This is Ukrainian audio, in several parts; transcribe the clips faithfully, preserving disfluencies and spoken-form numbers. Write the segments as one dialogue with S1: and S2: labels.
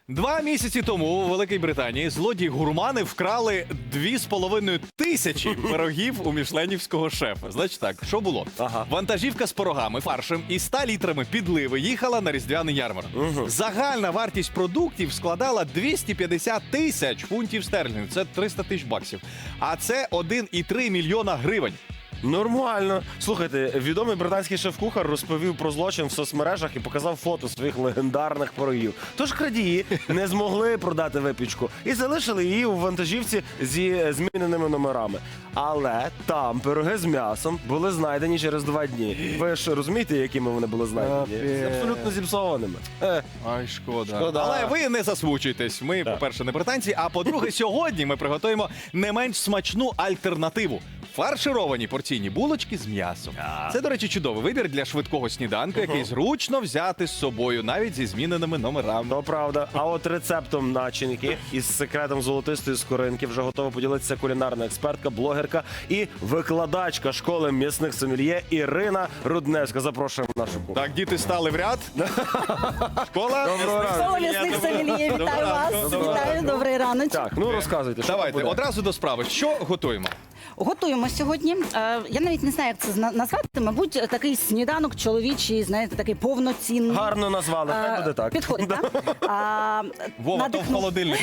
S1: Два місяці тому у Великій Британії злодії-гурмани вкрали дві з половиною тисячі пирогів у мішленівського шефа. Значить так, що було?
S2: Ага.
S1: Вантажівка з пирогами, фаршем і ста літрами підливи їхала на різдвяний ярмарок.
S2: Угу.
S1: Загальна вартість продуктів складала двісті п'ятдесят тисяч фунтів стерлінгів. Це триста тисяч баксів. А це один і три мільйона гривень.
S2: Нормально. Слухайте, відомий британський шеф-кухар розповів про злочин в соцмережах і показав фото своїх легендарних пирогів. Тож крадії не змогли продати випічку і залишили її у вантажівці зі зміненими номерами. Але там пироги з м'ясом були знайдені через два дні. Ви ж розумієте, якими вони були знайдені? З абсолютно зіпсованими. Е,
S1: Ай, шкода.
S2: Шкода.
S1: Але ви не засмучуйтесь. Ми,
S2: Так.
S1: по-перше, не британці, а по-друге, сьогодні ми приготуємо не менш смачну альтернативу. Фаршировані порційні булочки з м'ясом. Це, до речі, чудовий вибір для швидкого сніданку, який зручно взяти з собою, навіть зі зміненими номерами.
S2: То правда. А от рецептом начинки із секретом золотистої скоринки вже готова поділитися кулінарна експертка, блогерка і викладачка школи м'ясних сомельє Ірина Рудневська. Запрошуємо в нашу кухню.
S1: Так, діти стали в ряд. Школа.
S2: Доброго ранку.
S3: Школа м'ясних сомельє, вітаю вас.
S1: Доброго
S3: Вітаю, добрий раночок.
S2: Так, ну розказуйте, що
S1: Давайте,
S2: буде?
S1: одразу до справи. Що готуємо?
S3: Готуємо сьогодні. Е, Я навіть не знаю, як це зна- назвати. Мабуть, такий сніданок чоловічий, знаєте, такий повноцінний.
S2: Гарно назвали,
S3: Е,
S2: хай буде так.
S3: Підходить, так? А,
S1: Вова, то в
S3: надихнув-
S1: холодильнику.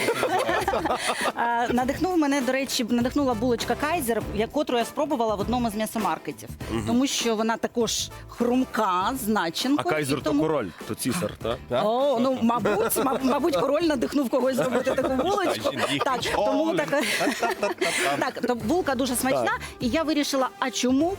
S3: а, Надихнув мене, до речі, надихнула булочка Кайзер, яку я спробувала в одному з м'ясомаркетів. Тому що вона також хрумка, з
S2: А
S3: начинкою.
S2: Кайзер
S3: і
S2: то
S3: тому...
S2: король, то цісар, так?
S1: Так?
S3: О, ну, мабуть, маб- мабуть, король надихнув когось зробити таку булочку.
S1: Жінки.
S3: Так, тому така... Так, то булка дуже смачна,
S2: Так.
S3: і я вирішила, а чому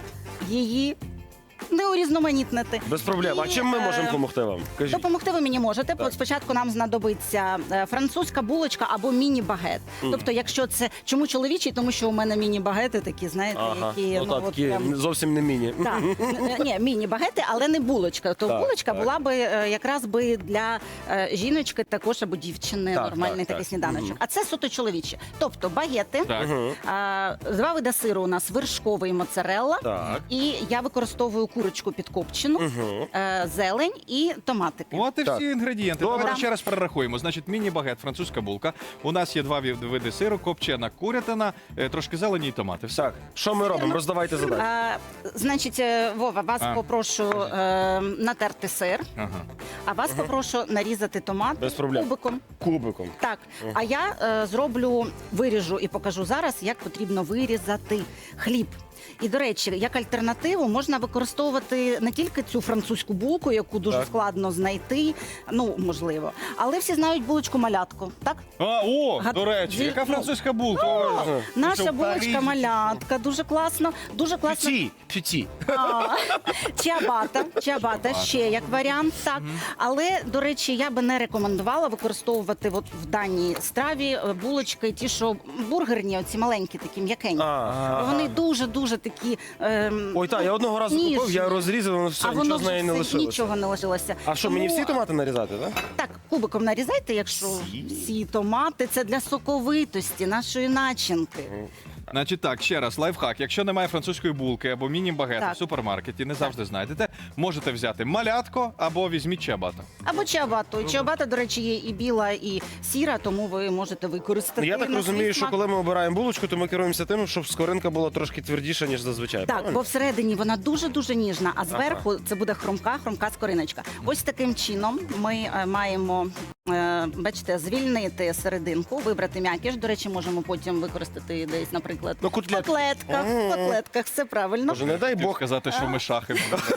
S3: її не урізноманітнити?
S2: Без проблем. А
S3: І,
S2: чим ми
S3: е,
S2: можемо допомогти вам? Кажіть.
S3: Допомогти ви мені можете.
S2: Так.
S3: Спочатку нам знадобиться е, французька булочка або міні-багет. Тобто, якщо це чому чоловічий, тому що у мене міні-багети такі, знаєте,
S2: Ага,
S3: які
S2: ну, так,
S3: от
S2: такі
S3: прям-
S2: зовсім не міні.
S3: так, Н- ні, міні-багети, але не булочка. То
S2: Так,
S3: булочка
S2: так.
S3: була би е, якраз би для е, жіночки також або дівчини
S2: Так,
S3: нормальний
S2: так,
S3: такий
S2: так.
S3: сніданочок.
S2: Мгм.
S3: А це суто чоловічі. Тобто багети,
S1: Так.
S3: а, два види сиру у нас вершковий і моцарелла.
S2: Так.
S3: І я використовую курочку підкопчену,
S2: Угу.
S3: е, зелень і томатики.
S1: От і
S2: Так.
S1: всі інгредієнти.
S2: Добре.
S1: Давайте ще раз перерахуємо. Значить, міні-багет, французька булка. У нас є два ві- види сиру, копчена курятина, е, трошки зелені і томати. Все.
S2: Так, що ми робимо? Роздавайте задачі.
S3: А, значить, е, Вова, вас
S1: А.
S3: попрошу е, натерти сир,
S1: Ага.
S3: а вас попрошу нарізати томати
S2: Без проблем.
S3: кубиком.
S2: Кубиком.
S3: Так, а я е, зроблю, виріжу і покажу зараз, як потрібно вирізати хліб. І, до речі, як альтернативу можна використовувати не тільки цю французьку булку, яку дуже
S2: Так.
S3: складно знайти, ну, можливо, але всі знають булочку малятку, так?
S1: А, о,
S3: Гад-
S1: до речі,
S3: Зі-
S1: яка
S3: ну,
S1: французька булка? Ой,
S2: Ага.
S1: що,
S3: Наша
S1: в
S3: булочка
S1: Парижі?
S3: малятка, дуже класно, дуже класно.
S2: Пюті, пюті.
S3: А, Чиабата, чиабата ще як варіант, так. Але, до речі, я би не рекомендувала використовувати от в даній страві е, булочки, ті, що бургерні, оці маленькі, такі м'якенькі.
S2: А.
S3: Вони дуже-дуже такі. ем,
S2: Ой, так, я одного разу
S3: ніжні.
S2: купив, я розрізав, воно все,
S3: а воно
S2: нічого з
S3: вже
S2: неї не
S3: все-
S2: лишилося.
S3: нічого не лишилося.
S2: А що, мені всі томати нарізати, так?
S3: Так, кубиком нарізайте, якщо
S2: Всі?
S3: всі томати. Це для соковитості нашої начинки.
S1: Значить так, ще раз, лайфхак. Якщо немає французької булки або міні-багету
S3: Так.
S1: в супермаркеті, не завжди знайдете, можете взяти малятко або візьміть чиабату.
S3: Або чиабату. І чиабата, до речі, є і біла, і сіра, тому ви можете використати.
S2: Я так
S3: на свій
S2: розумію, що
S3: смак.
S2: коли ми обираємо булочку, то ми керуємося тим, щоб скоринка була трошки твердіша, ніж зазвичай.
S3: Так,
S2: правильно?
S3: бо всередині вона дуже-дуже ніжна, а зверху це буде хрумка, хрумка скориночка. Ось таким чином ми е, маємо, е, бачите, звільнити серединку, вибрати м'якіш. До речі, можемо потім використати десь, наприклад,
S2: Ну, котлет.
S3: в котлетках, в котлетках, все правильно.
S2: Боже, не дай
S1: Хотів
S2: Бог.
S1: сказати, що ми шахи.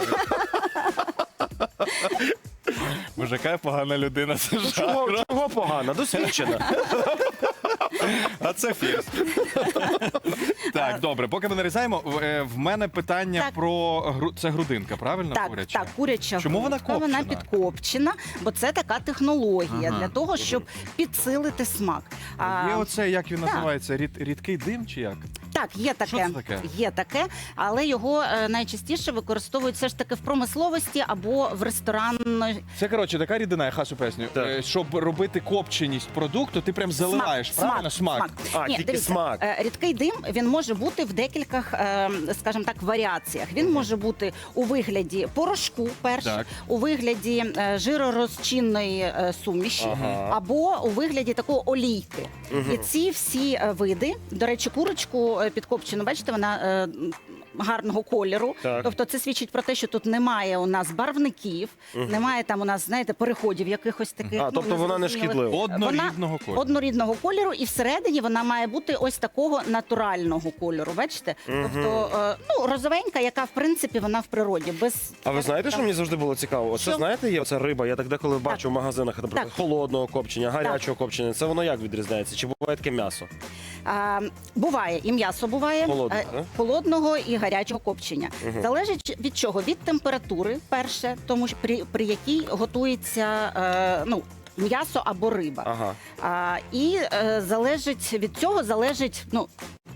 S1: Боже, яка погана людина, це
S2: Ну,
S1: жах.
S2: чого, чого погано? Досвідчена.
S1: А це фірс. Так, добре, поки ми нарізаємо, в- е, в мене питання
S3: Так.
S1: про гру... це грудинка, правильно?
S3: Так,
S1: куряча?
S3: так, куряча
S1: Чому вона
S3: грудка, вона
S1: копчена?
S3: підкопчена, бо це така технологія
S1: Ага.
S3: для того, щоб підсилити смак. А,
S1: Є оце, як він
S3: так.
S1: називається, рід, рідкий дим чи як?
S3: Так, є таке,
S1: Що це таке?
S3: є таке, але його е, найчастіше використовують все ж таки в промисловості або в ресторанної.
S1: Це, коротше, така рідина, я хасу поясню.
S2: Так.
S1: Е, Щоб робити копченість продукту, ти прям заливаєш, правильно? Смак.
S2: А, тільки
S3: дивіться,
S2: смак.
S3: е, Рідкий дим, він може бути в декількох, е, скажімо так, варіаціях. Він може бути у вигляді порошку, перше,
S1: Так.
S3: у вигляді е, жиророзчинної е, суміші,
S2: Ага.
S3: або у вигляді такої олійки. І ці всі е, види, до речі, курочку е, підкопчену, бачите, вона е, гарного кольору.
S2: Так.
S3: Тобто це свідчить про те, що тут немає у нас барвників, немає там у нас, знаєте, переходів якихось таких.
S2: А,
S3: ну,
S2: тобто вона не
S3: незрозумілих.
S2: шкідлива.
S1: Однорідного
S3: Вона
S1: кольору.
S3: Однорідного кольору, і всередині вона має бути ось такого натурального кольору. Бачите? Тобто, е, ну, розовенька, яка в принципі вона в природі. Без
S2: А ви знаєте, що мені завжди було цікаво? Оце,
S3: Що?
S2: знаєте, є оця риба, я так деколи бачу в магазинах, наприклад,
S3: Так.
S2: холодного копчення, гарячого копчення. Це воно як відрізняється? Чи буває таке м'ясо?
S3: А, буває і м'ясо буває
S2: Холодне,
S3: е,
S2: да?
S3: холодного і гарячого копчення. Залежить від чого? Від температури, перше, тому що при, при якій готується е, ну, м'ясо або риба.
S2: Ага.
S3: А, і е, залежить від цього залежить, ну.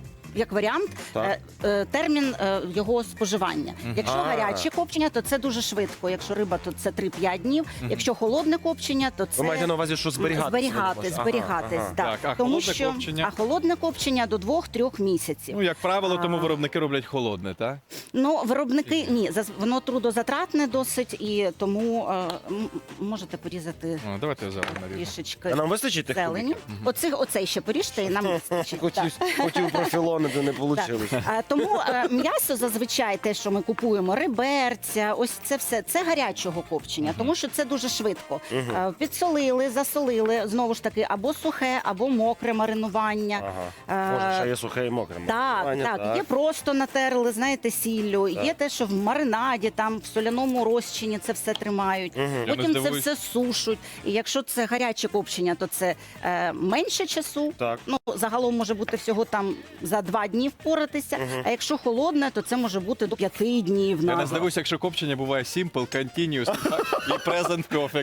S3: Як варіант,
S2: Так.
S3: е, е, термін е, його споживання. Якщо
S2: А.
S3: гаряче копчення, то це дуже швидко. Якщо риба, то це три-п'ять днів. Якщо холодне копчення, то це
S2: Ви маєте на увазі, що зберігати?
S3: зберігати,
S2: Ага,
S3: зберігатись.
S2: ага.
S3: Так.
S1: Так, а
S3: Тому
S1: холодне
S3: що
S1: копчення?
S3: а холодне копчення до двох-трьох місяців.
S1: Ну, як правило, тому
S3: А.
S1: виробники роблять холодне, так?
S3: Ну, виробники ні, заз- воно трудозатратне досить, і тому е, м- можете порізати
S1: О, давайте я зараз наріжу.
S3: трішечки
S2: А нам вистачить тих
S3: зелені.
S2: кубиків?
S3: Оцих, оцей ще поріжте, і нам вистачить. Так.
S2: Хотів, хотів профілонити, не вийшло.
S3: Так. А, тому е, м'ясо зазвичай те, що ми купуємо, реберця, ось це все, це гарячого копчення, тому що це дуже швидко. Е, підсолили, засолили, знову ж таки, або сухе, або мокре маринування.
S2: Ага.
S3: Е,
S2: Може, ще є сухе і мокре.
S3: Так,
S2: маринування,
S3: так, є просто натерли, знаєте, сіллю, є те, що в маринаді, там в соляному розчині це все тримають.
S1: Я не
S3: Потім це
S1: здивуюсь.
S3: все сушуть. І якщо це гаряче копчення, то це е, менше часу.
S2: Так.
S3: Ну, загалом може бути всього там за два дні впоратися. А якщо холодне, то це може бути до п'яти днів.
S1: Я не
S3: навіть.
S1: здивуюся, якщо копчення буває simple, continuous так, і present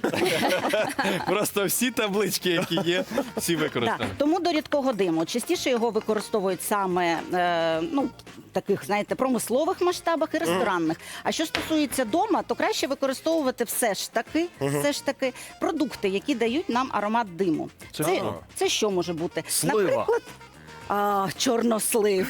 S1: perfect. Просто всі таблички, які є, всі
S3: Так,
S1: використані.
S3: тому до рідкого диму частіше його використовують саме е, ну, таких, знаєте, промислових масштабах і ресторанних. А що стосується дома, то краще використовувати все ж таки, все ж таки продукти, які дають нам аромат диму.
S1: Це
S3: це,
S1: що?
S3: це що може бути?
S2: Слива.
S3: Наприклад, а, чорнослив,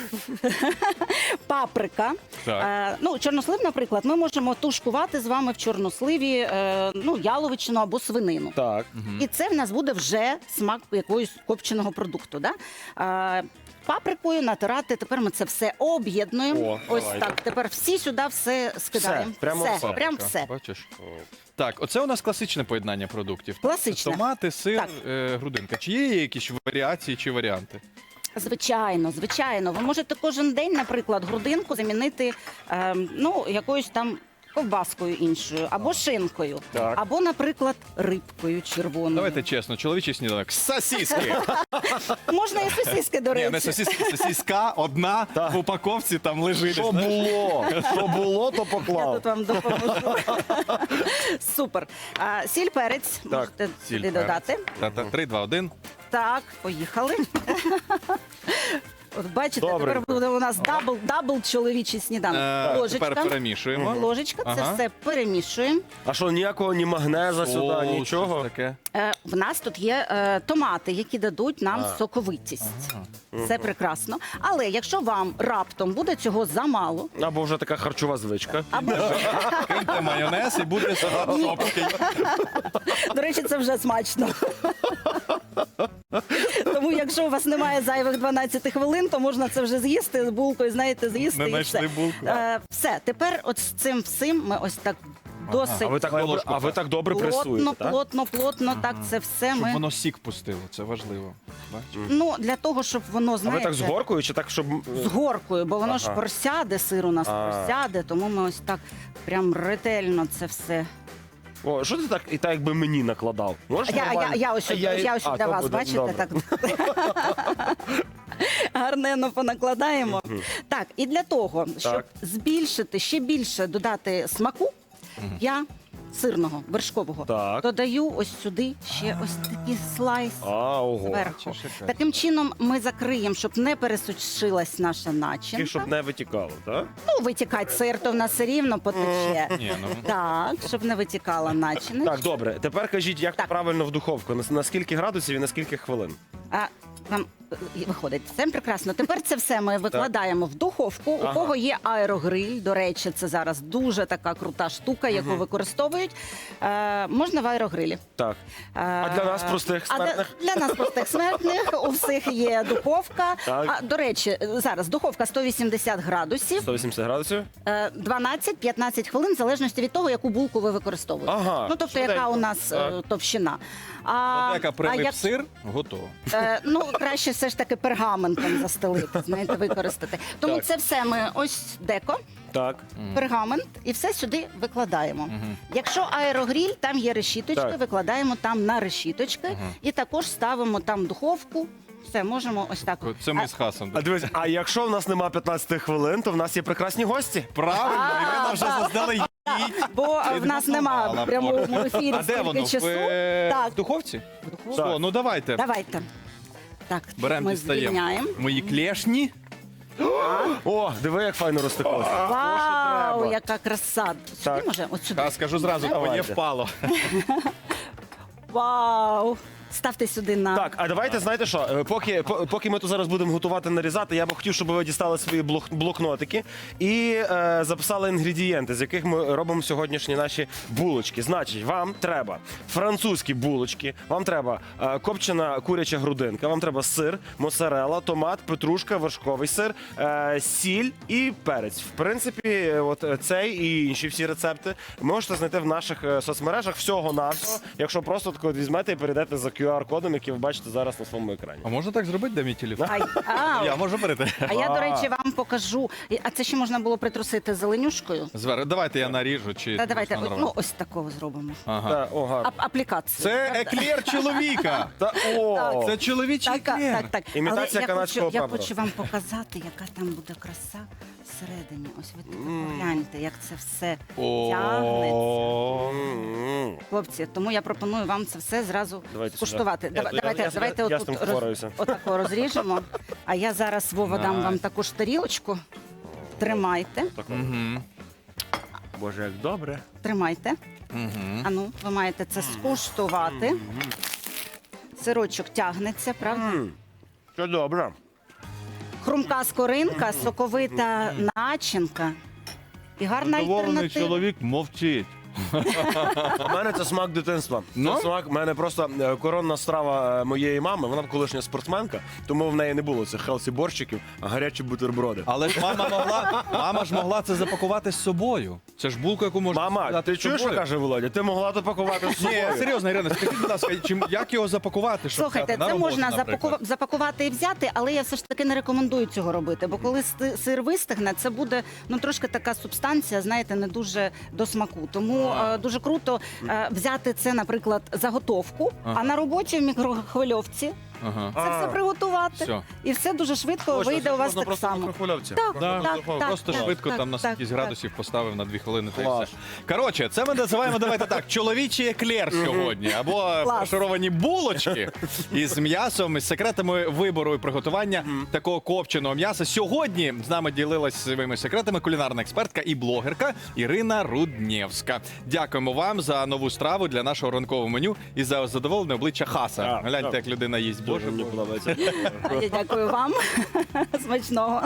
S3: паприка.
S1: Так.
S3: Е, ну, чорнослив, наприклад, ми можемо тушкувати з вами в чорносливі е, ну, яловичину або свинину.
S2: Так.
S3: І це в нас буде вже смак якогось копченого продукту. Да? А, паприкою натирати, тепер ми це все об'єднуємо.
S2: О,
S3: Ось
S2: давайте.
S3: так. Тепер всі сюди все скидаємо.
S2: прямо
S3: все,
S2: все.
S3: прям
S1: Паприка,
S3: все.
S1: Бачиш? Так, оце у нас класичне поєднання продуктів.
S3: Класичне.
S1: Томати, сир,
S3: Так.
S1: е, грудинка. Чи є якісь варіації чи варіанти?
S3: Звичайно, звичайно. Ви можете кожен день, наприклад, грудинку замінити е, ну, якоюсь там ковбаскою іншою, або шинкою,
S2: Так.
S3: або, наприклад, рибкою червоною.
S1: Давайте чесно, чоловічий сніданок. Сосиски!
S3: Можна і сосиски, до
S1: Ні,
S3: речі.
S1: не сосиски, сосиска одна
S2: Так.
S1: в упаковці там лежить.
S2: Що
S1: знаєш.
S2: було? Що було, то
S3: Я
S2: поклав.
S3: тут вам допоможу. Супер. А, сіль, перець можете
S1: Сіль,
S3: сюди
S1: перець.
S3: додати.
S1: Та-та, три, два, один.
S3: Так, поїхали. От бачите,
S2: Добре.
S3: тепер буде у нас дабл, дабл чоловічий сніданок.
S1: Е,
S3: Ложечка.
S1: Тепер перемішуємо.
S3: Ложечка, це
S1: Ага.
S3: все перемішуємо.
S2: А що, ніякого ні магнеза сюди,
S1: О,
S2: нічого?
S1: щось таке.
S3: Е, в нас тут є е, томати, які дадуть нам
S2: А.
S3: соковитість. Це прекрасно. Але якщо вам раптом буде цього замало,
S2: Або вже така харчова звичка.
S3: або
S1: Киньте майонез і буде сопки.
S3: до речі, це вже смачно. Тому, якщо у вас немає зайвих дванадцять хвилин, то можна це вже з'їсти з булкою, знаєте, з'їсти
S1: Не
S3: і все.
S1: знайшли булку.
S3: Е, все, тепер от з цим всим ми ось так досить
S2: А ви так добре, а ви так добре
S3: плотно,
S2: пресуєте, так?
S3: плотно, плотно, так це все
S1: Щоб
S3: ми.
S1: воно сік пустило, це важливо. Бачиш?
S3: Ну, для того, щоб воно,
S2: А ви
S3: знаєте,
S2: так з горкою чи так, щоб...
S3: з горкою, бо воно ж
S2: Ага.
S3: просяде, сир у нас
S2: А.
S3: просяде, тому ми ось так прям ретельно це все.
S2: О, що ти так і так якби мені накладав? Можеш
S3: Я, я,
S2: нормально?
S3: я ось,
S2: А
S3: я, ось
S2: а,
S3: для
S2: то
S3: вас,
S2: буде
S3: бачите,
S2: добре.
S3: так гарненно понакладаємо. Так, і для того, щоб
S2: Так.
S3: збільшити, ще більше додати смаку, я сирного, вершкового,
S2: Так.
S3: додаю ось сюди ще ось такий слайс
S2: А, ого.
S3: зверху.
S1: Бачиш, яка.
S3: Таким чином ми закриємо, щоб не пересушилась наша начинка.
S2: І щоб не витікало, так?
S3: Ну, витікать сир, то в нас все рівно потече.
S1: Ні, ну.
S3: Так, щоб не витікала начинка.
S2: Так, добре. Тепер кажіть, як
S3: Так.
S2: правильно в духовку? На, на скільки градусів і на скільки хвилин?
S3: А вам е, виходить, все прекрасно. Тепер це все ми викладаємо в духовку.
S2: Ага.
S3: У кого є аерогриль, до речі, це зараз дуже така крута штука, яку використовують. Е, можна в аерогрилі.
S2: Так.
S3: Е,
S2: А для нас, простих
S3: а для-
S2: смертних?
S3: Для, нас простих смертних у всіх є духовка.
S2: Так.
S3: А, до речі, зараз духовка сто вісімдесят градусів,
S2: сто вісімдесят градусів?
S3: е, дванадцять-п'ятнадцять хвилин, в залежності від того, яку булку ви використовуєте.
S2: Ага,
S3: Ну, тобто, яка
S2: швиденько.
S3: у нас е,
S2: Так.
S3: товщина. А,
S1: От яка
S3: а
S1: прилип
S3: як-
S1: сир, готово.
S3: Е, ну, краще все ж таки пергаментом застелити, знаєте, використати. Тому
S2: Так.
S3: це все ми ось деко,
S2: Так.
S3: пергамент, і все сюди викладаємо. Якщо аерогріль, там є решіточки,
S2: Так.
S3: викладаємо там на решіточки і також ставимо там в духовку. Все, можемо ось так.
S1: Це ми
S3: А-
S1: з Хасом.
S2: А дивись, а якщо в нас нема п'ятнадцяти хвилин, то в нас є прекрасні гості.
S1: Правильно, Ірина вже
S3: А,
S1: заздалегідь.
S3: Бо в нас нема
S1: Підготувала
S3: в прямому ефірі
S1: А де
S3: стільки
S1: воно? В,
S3: часу.
S1: е,
S3: Так,
S1: в духовці?
S3: в духовці.
S1: О, ну давайте.
S3: Давайте. Так,
S1: Беремо,
S3: ми
S1: дістаємо
S3: звільняємо.
S1: мої клешні.
S2: О, диви, як файно розтеклося.
S3: Вау,
S2: треба.
S3: яка краса. Сюди
S2: Так.
S3: може? От сюди.
S1: А скажу зразу,
S2: Давайте.
S1: моє впало.
S3: Вау! Ставте сюди на
S2: Так, а давайте, знаєте що, е, поки, по- поки ми тут зараз будемо готувати, нарізати, я б хотів, щоб ви дістали свої блок- блокнотики і е, записали інгредієнти, з яких ми робимо сьогоднішні наші булочки. Значить, вам треба французькі булочки, вам треба е, копчена куряча грудинка, вам треба сир, моцарелла, томат, петрушка, вершковий сир, е, сіль і перець. В принципі, е, от е, цей і інші всі рецепти можете знайти в наших е, соцмережах всього-навсього, якщо просто так от візьмете і перейдете за кю ар-кодом, який ви бачите зараз на своєму екрані.
S1: А можна так зробити, де мій телефон?
S3: Ай, а,
S1: Я можу берете.
S3: а я, до речі, вам покажу. І- А це ще можна було притрусити зеленюшкою?
S1: Звер, давайте я наріжу. Чи
S3: Та давайте,
S1: можна
S3: от, ну
S1: нормально?
S3: ось такого зробимо.
S1: Ага.
S2: Та, о, гарно.
S3: А, аплікацію.
S1: Це еклер чоловіка.
S2: Та, о,
S1: Це чоловічий
S3: Так, так,
S1: еклер.
S3: так, так.
S2: Імітація
S3: Але я
S2: канадського
S3: хочу, я
S2: прапора.
S3: хочу вам показати, яка там буде краса всередині. Ось ви тільки погляньте, як це все тягнеться.
S1: О,
S2: М-м.
S3: Хлопці, тому я пропоную вам це все зразу
S2: Давайте
S3: скуштувати.
S2: сюди.
S3: Дава-
S2: Я-
S3: давайте,
S2: я-
S3: давайте
S2: я- я
S3: отут
S2: з тим впораюся.
S3: отако розріжемо. А я зараз, Вова, дам вам
S1: Найс.
S3: таку ж тарілочку. Тримайте,
S1: Мгм.
S2: Боже, як добре.
S3: тримайте.
S1: Мгм.
S3: А ну, ви маєте це скуштувати. Сирочок тягнеться, правда?
S2: М, Що добре.
S3: Хрумка скоринка, соковита начинка. І гарна
S1: Задоволений
S3: альтернатива.
S1: чоловік мовчить.
S2: У мене це смак дитинства.
S1: Ну?
S2: Це смак, в мене просто е, коронна страва е, моєї мами. Вона колишня спортсменка, тому в неї не було цих хелсі борщиків, а гарячі бутерброди.
S1: Але ж мама могла, мама ж могла це запакувати з собою. Це ж булка, яку можна
S2: Мама,
S1: взяти
S2: ти
S1: з
S2: чуєш, що
S1: собою.
S2: каже Володя? Ти могла то пакувати з
S1: Ні,
S2: собою.
S1: серйозно, Ірина, скажіть, будь ласка, чим, як його запакувати? Щоб
S3: Слухайте,
S1: взяти на
S3: це
S1: роботу,
S3: можна
S1: наприклад?
S3: запаку- запакувати і взяти, але я все ж таки не рекомендую цього робити. Бо коли sti- сир вистигне, це буде ну трошки така субстанція, знаєте, не дуже до смаку. Тому
S1: А.
S3: е, дуже круто е, взяти це, наприклад, заготовку,
S1: Ага.
S3: а на роботі в мікрохвильовці
S1: Ага.
S3: це
S2: А.
S3: все приготувати.
S1: Все.
S3: І все дуже швидко
S2: Точно,
S3: вийде
S2: це
S3: у вас
S2: можна
S3: так
S2: просто в
S3: само.
S2: мікрохвильовці.
S3: Так,
S2: Просто
S3: так,
S2: в духовку.
S1: Просто
S3: так,
S1: швидко
S3: так,
S1: там на
S3: так,
S1: скільки
S3: так.
S1: градусів поставив на дві хвилини. Та й
S2: Клас.
S1: все. Коротше, це ми називаємо, давайте так, чоловічий еклер сьогодні. Або
S3: Клас.
S1: фаршировані булочки із м'ясом, із секретами вибору і приготування такого копченого м'яса. Сьогодні з нами ділилась своїми секретами кулінарна експертка і блогерка Ірина Руднєвська. Дякуємо вам за нову страву для нашого ранкового меню і за задоволене обличчя Хаса.
S2: Так,
S1: Гляньте,
S2: так.
S1: як людина їсть.
S2: Дуже
S1: Боже,
S2: мені
S1: Боже.
S2: подобається.
S3: Я дякую вам. Смачного.